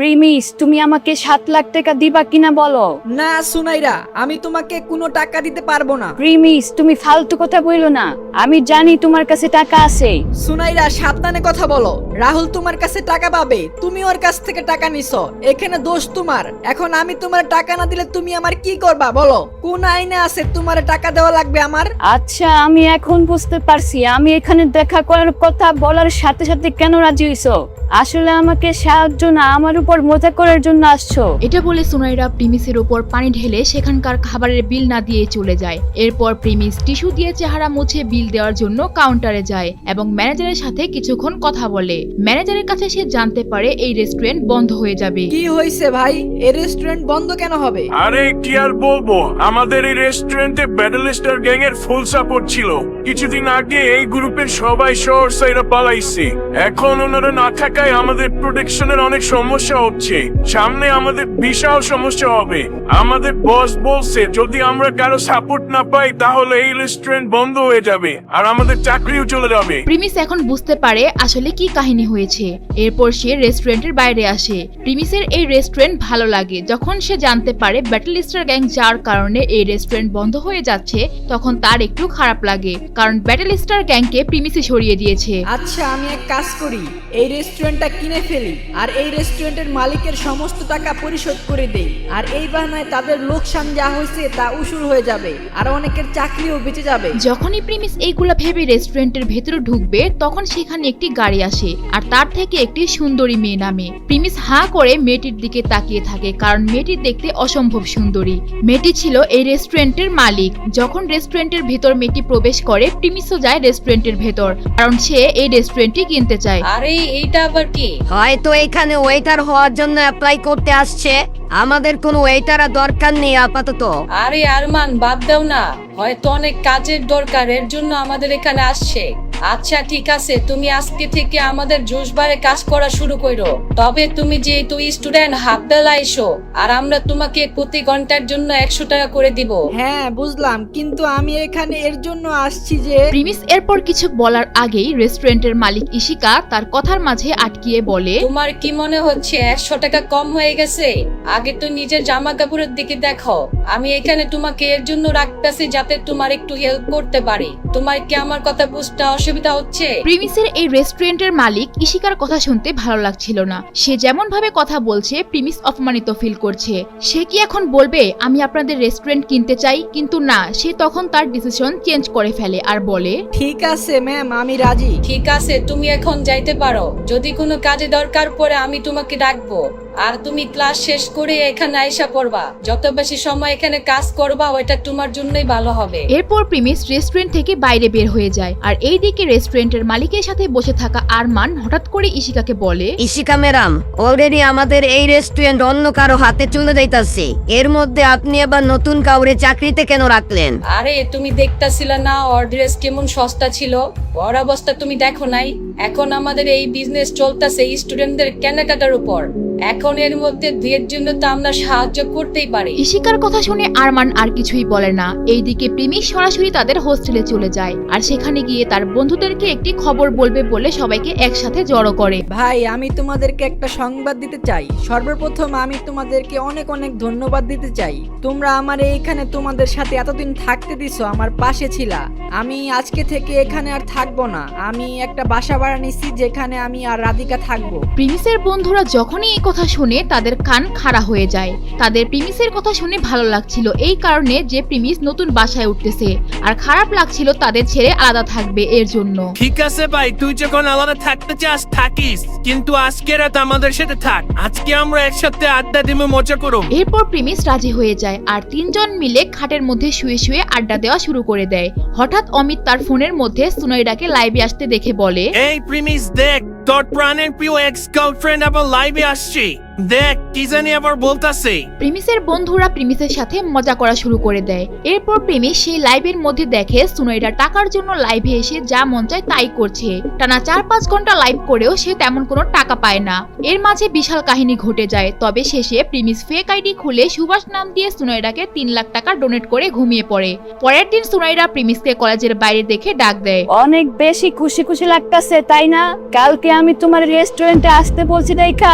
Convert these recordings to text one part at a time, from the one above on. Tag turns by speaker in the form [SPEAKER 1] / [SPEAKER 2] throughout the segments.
[SPEAKER 1] Premise, তুমি আমাকে 7 লাখ টাকা দিবা কিনা বলো।
[SPEAKER 2] না সুনাইরা, আমি তোমাকে কোনো টাকা দিতে পারবো না।
[SPEAKER 1] প্রিমিস, তুমি ফালতু কথা বইলো না, আমি জানি তোমার কাছে টাকা আছে।
[SPEAKER 2] সুনাইরা সাবধানে কথা বলো। রাহুল তোমার কাছে টাকা পাবে, তুমি ওর কাছ থেকে টাকা নিছো, এখানে দোষ তোমার। এখন আমি তোমার টাকা না দিলে তুমি আমার কি করবা বলো? কোন আইনে আছে তোমার টাকা দেওয়া লাগবে আমার?
[SPEAKER 1] আচ্ছা, আমি এখন বুঝতে পারছি আমি এখানে দেখা করার কথা বলার সাথে সাথে কেন রাজি হইছো। আসলে আমাকে সাহায্য না, আমার উপর মজা করার জন্য আসছো।
[SPEAKER 3] এটা বলে সুনাইরা প্রিমিসের উপর পানি ঢেলে সেখানকার খাবারের বিল না দিয়ে চলে যায়। এরপর প্রিমিস টিস্যু দিয়ে চেহারা মুছে বিল দেওয়ার জন্য কাউন্টারে যায় এবং ম্যানেজারের সাথে কিছুক্ষণ কথা বলে। ম্যানেজারের কাছে সে জানতে পারে এই রেস্টুরেন্ট বন্ধ হয়ে যাবে।
[SPEAKER 2] কি হয়েছে ভাই, এই রেস্টুরেন্ট বন্ধ কেন হবে?
[SPEAKER 4] আরে কি আর বলবো, আমাদের এই রেস্টুরেন্টে ব্যাটল স্টার গ্যাং এর ফুল সাপোর্ট ছিল। কিছুদিন আগে এই গ্রুপের সবাই শহর সাইরা পালাইছে। এখন ওনারা না থাকায় আমাদের প্রোটেকশনের অনেক সমস্যা হচ্ছে। সামনে আমাদের বিশাল সমস্যা হবে। আমাদের বস বলছে যদি আমরা কারো সাপোর্ট না পাই তাহলে এই রেস্টুরেন্ট বন্ধ হয়ে যাবে আর আমাদের চাকরিও চলে যাবে।
[SPEAKER 3] প্রিমিস এখন বুঝতে পারে আসলে কি কাহিনী হয়েছে। এরপর সে রেস্টুরেন্টের বাইরে আসে। প্রিমিসের এই রেস্টুরেন্ট ভালো লাগে। যখন সে জানতে পারে ব্যাটল স্টার গ্যাং যার কারণে এই রেস্টুরেন্ট বন্ধ হয়ে যাচ্ছে, তখন তার একটু খারাপ লাগে, কারণ ব্যাটল স্টার গ্যাংকে প্রিমিসই সরিয়ে দিয়েছে।
[SPEAKER 2] আচ্ছা, আমি এক কাজ করি, এই রেস্টুরেন্টটা কিনে ফেলি আর এই রেস্টুরেন্টের মালিকের সমস্ত টাকা পরিশোধ করে দেই। আর এই বাহানায় তাদের লোকসান যা হয়েছে তা উসুর হয়ে যাবে আর অনেকের চাকরিও বেঁচে যাবে।
[SPEAKER 3] যখনই প্রিমিস এইগুলা ভেবে রেস্টুরেন্টের ভেতরে ঢুকবে, তখন সেখানে একটি গাড়ি আসে আর তার থেকে একটি সুন্দরী মেয়ে নামে। প্রিমিস হাঁ করে মেয়েটির দিকে তাকিয়ে থাকে, কারণ মেয়েটি দেখতে অসম্ভব সুন্দরী। মেয়েটি ছিল এই রেস্টুরেন্টের মালিক। যখন রেস্টুরেন্টের ভেতর মেয়েটি প্রবেশ করে, প্রিমিসও যায় রেস্টুরেন্টের ভেতর, কারণ সে এই রেস্টুরেন্টটি কিনতে চায়।
[SPEAKER 5] আরে এইটা আবার কি?
[SPEAKER 6] হয়তো এখানে ওয়েটার হওয়ার জন্য অ্যাপ্লাই করতে আসছে। আমাদের কোনো ওয়েটার দরকার নেই আপাতত।
[SPEAKER 5] আরে আরমান, বাদ দাও না, হয়তো অনেক কাজের দরকার, এর জন্য আমাদের এখানে আসছে। আচ্ছা ঠিক আছে, তুমি আজকে থেকে আমাদের জোশবারে কাজ করা শুরু করো। তবে তুমি যেহেতু স্টুডেন্ট, হাফ বেলা এসো, আর আমরা তোমাকে প্রতি ঘন্টার জন্য 100 টাকা করে দিব।
[SPEAKER 2] হ্যাঁ বুঝলাম, কিন্তু আমি এখানে এর জন্য আসছি যে।
[SPEAKER 3] প্রিমিস এরপর কিছু বলার আগেই রেস্টুরেন্টের মালিক ইশিকা তার কথার মাঝে আটকিয়ে বলে,
[SPEAKER 5] তোমার কি মনে হচ্ছে 100 টাকা কম হয়ে গেছে? আগে তো নিজের জামা কাপড়ের দিকে দেখো। আমি এখানে তোমাকে এর জন্য রাখতেছি যাতে তোমার একটু হেল্প করতে পারি। তোমার কি আমার কথা বুঝতে অসুবিধা হচ্ছে?
[SPEAKER 3] প্রিমিসের এই রেস্টুরেন্টের মালিক ইশিকার কথা শুনতে ভালো লাগছিল না। সে যেমন ভাবে কথা বলছে, প্রিমিস অপমানিত ফিল করছে। সে কি এখন বলবে আমি আপনাদের রেস্টুরেন্ট কিনতে চাই? কিন্তু না, সে তখন তার ডিসিশন চেঞ্জ করে ফেলে আর বলে,
[SPEAKER 2] ঠিক আছে ম্যাম, আমি রাজি।
[SPEAKER 5] ঠিক আছে, তুমি এখন যাইতে পারো। যদি কোনো কাজে দরকার পড়ে আমি তোমাকে ডাকবো। আর তুমি ক্লাস শেষ করে এখানে আইসা পড়বা। যত বেশি সময় এখানে কাজ করবা, ওইটা তোমার জন্যই ভালো হবে।
[SPEAKER 3] এরপর প্রিমিস রেস্টুরেন্ট থেকে বাইরে বের হয়ে যায়। আর এইদিকে রেস্টুরেন্টের মালিকের সাথে বসে থাকা আরমান হঠাৎ করে ইশিকাকে বলে,
[SPEAKER 6] ইশিকা ম্যাডাম, অলরেডি আমাদের এই রেস্টুরেন্ট অন্য কারো হাতে চলে যাইতাছে। এর মধ্যে আপনি আবার নতুন কাউরে চাকরিতে কেন রাখলেন?
[SPEAKER 5] আরে তুমি দেখতাছিলা না ওর ড্রেস কেমন সস্তা ছিল? ওর অবস্থা তুমি দেখো নাই? এখন আমাদের এই বিজনেস চলতেছে স্টুডেন্টদের কেনাকাটার উপর। এখন এর মধ্যে দুয়ের জন্য তো আমরা সাহায্য করতেই পারি।
[SPEAKER 3] ইশিকার কথা শুনে আরমান আর কিছুই বলে না। এইদিকে প্রিমিস সরাসরি তাদের হোস্টেলে চলে যায় আর সেখানে গিয়ে তার বন্ধুদেরকে একটি খবর বলবে বলে সবাইকে একসাথে জড়ো করে।
[SPEAKER 2] ভাই, আমি তোমাদেরকে একটা সংবাদ দিতে চাই। সর্বপ্রথম আমি তোমাদেরকে অনেক অনেক ধন্যবাদ দিতে চাই। তোমরা আমার এইখানে তোমাদের সাথে এতদিন থাকতে দিছো, আমার পাশে ছিলা। আমি আজকে থেকে এখানে আর থাকবো না। আমি একটা বাসা ভাড়া নিছি যেখানে আমি আর রাধিকা থাকবো।
[SPEAKER 3] প্রিমিসের বন্ধুরা যখনই এই কথা শুনে তাদের কান খাড়া হয়ে যায়। তাদের প্রিমিসের কথা শুনে ভালো লাগছিল এই কারণে যে প্রিমিস নতুন বাসায় উঠতেছে, আর খারাপ লাগছিল তাদের ছেড়ে আলাদা থাকবে এর জন্য।
[SPEAKER 7] ঠিক আছে ভাই, তুই যখন আলাদা থাকতে চাস থাকিস, কিন্তু আজকে রাত আমাদের সাথে থাক। আজকে আমরা একসাথে আড্ডা দিব, মজা করব।
[SPEAKER 3] এরপর প্রিমিস রাজি হয়ে যায় আর তিনজন মিলে খাটের মধ্যে শুয়ে শুয়ে আড্ডা দেওয়া শুরু করে দেয়। হঠাৎ অমিত তার ফোনের মধ্যে সুনয়রাকে লাইভে আসতে দেখে বলে,
[SPEAKER 7] এই প্রিমিস দেখ, তোর প্রাণের প্রিয় এক্স গার্লফ্রেন্ড আবার লাইভে আসছে। দেখ কি জানি আবার বলতাছে।
[SPEAKER 3] প্রিমিসের বন্ধুরা প্রিমিসের সাথে মজা করা শুরু করে দেয়। এরপর প্রিমিস সেই লাইভের মধ্যে দেখে সুনয়রা টাকার জন্য লাইভে এসে যা মন চায় তাই করছে। টানা 4-5 ঘন্টা লাইভ করেও সে তেমন কোনো টাকা পায় না। এর মাঝে বিশাল কাহিনী ঘটে যায়। তবে শেষে প্রিমিস ফেক আইডি খুলে সুভাষ নাম দিয়ে সুনয়রাকে 3 লাখ টাকা ডোনেট করে ঘুমিয়ে পড়ে। পরের দিন সুনয়রা প্রিমিসকে কলেজের বাইরে দেখে ডাক দেয়।
[SPEAKER 1] অনেক বেশি খুশি খুশি লাগতাছে তাই না? কালকে আমি তোমার রেস্টুরেন্টে আসতে বলছি দেখা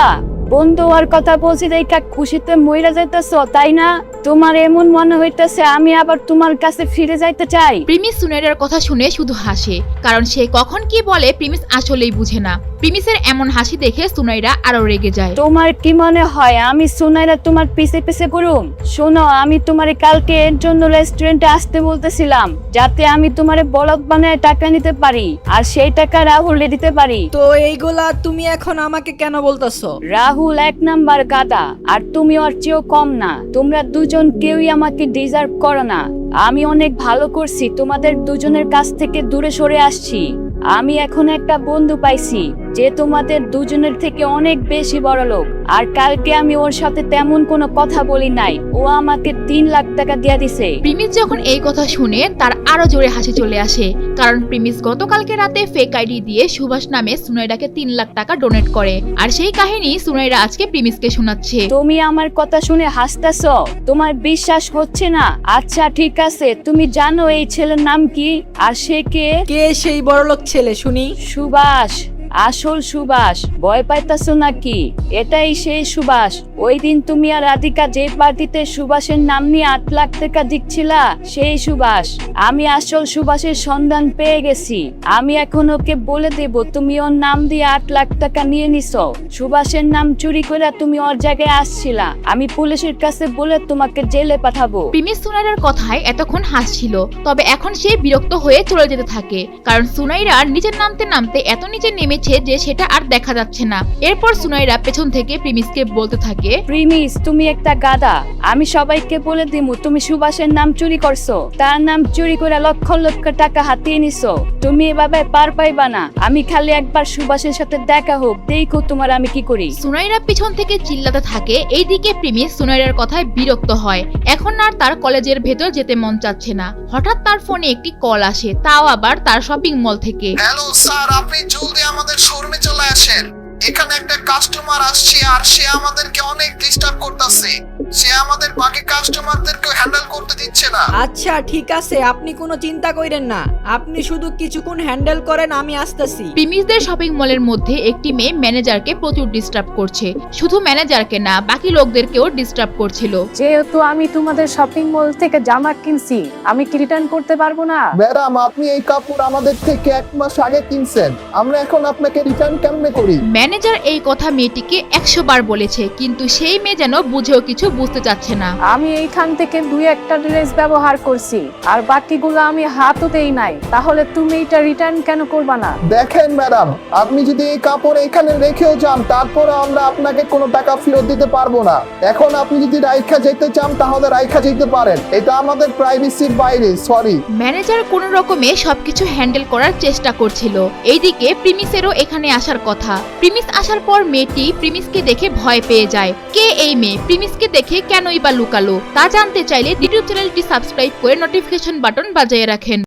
[SPEAKER 1] বন্ধু আর কথা বলছি দেখা খুশিতে মইরা যাইতেছ তাই না? তোমার এমন মনে হইতেছে আমি আবার তোমার কাছে ফিরে যাইতে চাই।
[SPEAKER 3] প্রিমিস সুনাইরার কথা শুনে শুধু হাসে, কারণ সে কখন কি বলে প্রিমিস আসলেই বুঝে না। প্রিমিসের এমন হাসি দেখে সুনাইরা আরো রেগে যায়।
[SPEAKER 1] তোমার কি মনে হয় আমি সুনাইরা তোমার পিছে পিছে ঘুরুম? শোনো, আমি তোমারে কালকে এর জন্য রেস্টুরেন্টে আসতে বলতেছিলাম, যাতে আমি তোমারে বলদ বানায় টাকা নিতে পারি আর সেই টাকা রাহুলে দিতে পারি।
[SPEAKER 2] তো এইগুলা তুমি এখন আমাকে কেন বলতেছো?
[SPEAKER 1] রাহুল 1 নাম্বার গাদা, আর তুমি ওর চেয়েও কম না। তোমরা দুজন কেউই আমাকে ডিজার্ভ করো না। আমি অনেক ভালো করছি, তোমাদের দুজনের কাছ থেকে দূরে সরে আসছি। আমি এখন একটা বন্ধু পাইছি যে তোমাদের দুজনের থেকে অনেক বেশি বড় লোক, আর কালকে আমি ওর সাথে তেমন কোনো কথা বলি নাই। ও আমাকে 3 লাখ টাকা দিয়ে দিছে।
[SPEAKER 3] প্রিমিস যখন এই কথা শুনে তার আরো জোরে হাসি চলে আসে, কারণ প্রিমিস গতকালকে রাতে ফেক আইডি দিয়ে সুভাষ নামে সুনাইরাকে 3 লাখ টাকা ডোনেট করে, আর সেই কাহিনী সুনাইরা আজকে প্রিমিসকে শোনাচ্ছে।
[SPEAKER 1] তুমি আমার কথা শুনে হাসতেছো? তোমার বিশ্বাস হচ্ছে না? আচ্ছা ঠিক আছে, তুমি জানো এই ছেলের নাম কি আর সে কে?
[SPEAKER 2] কে সেই বড়লোক ছেলে শুনি?
[SPEAKER 1] সুভাষ, আসল সুভাষ। ভয় পাইতাছো নাকি? এটাই সেই সুভাষ। ওই দিন তুমি আর রাধিকা যে পার্টিতে সুভাষের নাম নিয়ে 8 লাখ টাকা দিচ্ছিলা, সেই সুভাষ। আমি আসল সুভাষের সন্ধান পেয়ে গেছি। আমি এখন ওকে বলে দেব তুমি ওর নাম দিয়ে 8 লাখ টাকা নিয়ে নিছো। সুভাষের নাম চুরি করে তুমি ওর জায়গায় আসছিলা। আমি পুলিশের কাছে বলে তোমাকে জেলে পাঠাবো।
[SPEAKER 3] প্রিমিস সুনাইরার কথায় এতক্ষণ হাসছিল, তবে এখন সে বিরক্ত হয়ে চলে যেতে থাকে, কারণ সুনাইরা নিচে নামতে নামতে এত নিচে নেমেছে যে সেটা আর দেখা যাচ্ছে না। এরপর সুনাইরা পেছন থেকে প্রিমিসকে বলতে থাকে,
[SPEAKER 1] প্রিমিস তুমি একটা গাদা। আমি সবাইকে বলে দিমু তুমি সুভাষের নাম চুরি করছো। তার নাম চুরি করে লক্ষ লক্ষ টাকা হাতিয়ে নিছো। তুমি এভাবে পার পাইবা না। আমি খালি একবার সুভাষের সাথে দেখা হোক, দেখো তোমার আমি কি করি।
[SPEAKER 3] সুনাইরা পিছন থেকে চিল্লাতে থাকে। এইদিকে প্রিমিস সুনাইরার কথায় বিরক্ত হয়। এখন আর তার কলেজের ভেতর যেতে মন চাচ্ছে না। হঠাৎ তার ফোনে একটি কল আসে, তাও আবার তার শপিং মল থেকে।
[SPEAKER 8] হ্যালো স্যার, আপনি জলদি আমাদের শোরুমে চলে আসেন। এখানে একটা কাস্টমার আসছে আর সে আমাদেরকে অনেক ডিস্টার্ব করতেছে। সে আমাদের বাকি কাস্টমারদেরকে হ্যান্ডেল করতে দিচ্ছে না।
[SPEAKER 2] আচ্ছা ঠিক আছে, আপনি কোনো চিন্তা করেন না। আপনি শুধু কিছুক্ষণ হ্যান্ডেল করেন, আমি আসতেছি।
[SPEAKER 3] প্রিমিসদের শপিং মলের মধ্যে একটি মেয়ে ম্যানেজারকে প্রচুর ডিস্টার্ব করছে। শুধু ম্যানেজারকে না, বাকি লোকদেরকেও ডিস্টার্ব করছিল।
[SPEAKER 9] যেহেতু আমি তোমাদের শপিং মল থেকে জামা কিনছি, আমি কি রিটার্ন করতে পারবো না?
[SPEAKER 8] ম্যাডাম, আপনি এই কাপড় আমাদের থেকে 1 মাস আগে কিনছেন, আমরা এখন আপনাকে রিটার্ন কেমনে করি?
[SPEAKER 3] ম্যানেজার এই কথা মেয়েটিকে 100 বার বলেছে, কিন্তু সেই মেয়ে যেন বুঝেও কিছু বুঝতে চাচ্ছে না।
[SPEAKER 9] আমি এইখান থেকে 2-1টা ড্রেস ব্যবহার করছি, আর বাকিগুলো আমি হাতও দেই নাই। তাহলে তুমি এটা রিটার্ন কেন করবা না?
[SPEAKER 8] দেখেন ম্যাডাম, আপনি যদি এই কাপড় এখানে রেখেও যান, তারপরে আমরা আপনাকে কোনো টাকা ফেরত দিতে পারবো না। এখন আপনি যদি রাইখা যেতে চান তাহলে রাইখা যেতে পারেন, এটা আমাদের প্রাইভেসির বাইরে। সরি।
[SPEAKER 3] ম্যানেজার কোন রকমে সবকিছু হ্যান্ডেল করার চেষ্টা করছিল। এইদিকে প্রিমিসেরও এখানে আসার কথা। প্রিমিস আসার পর মেয়েটি প্রিমিসকে দেখে ভয় পেয়ে যায়। কে এই মেয়ে? প্রিমিসকে দেখে কেনই বা লুকালো? তা জানতে চাইলে ইউটিউব চ্যানেলটি সাবস্ক্রাইব করে নোটিফিকেশন বাটন বাজিয়ে রাখেন।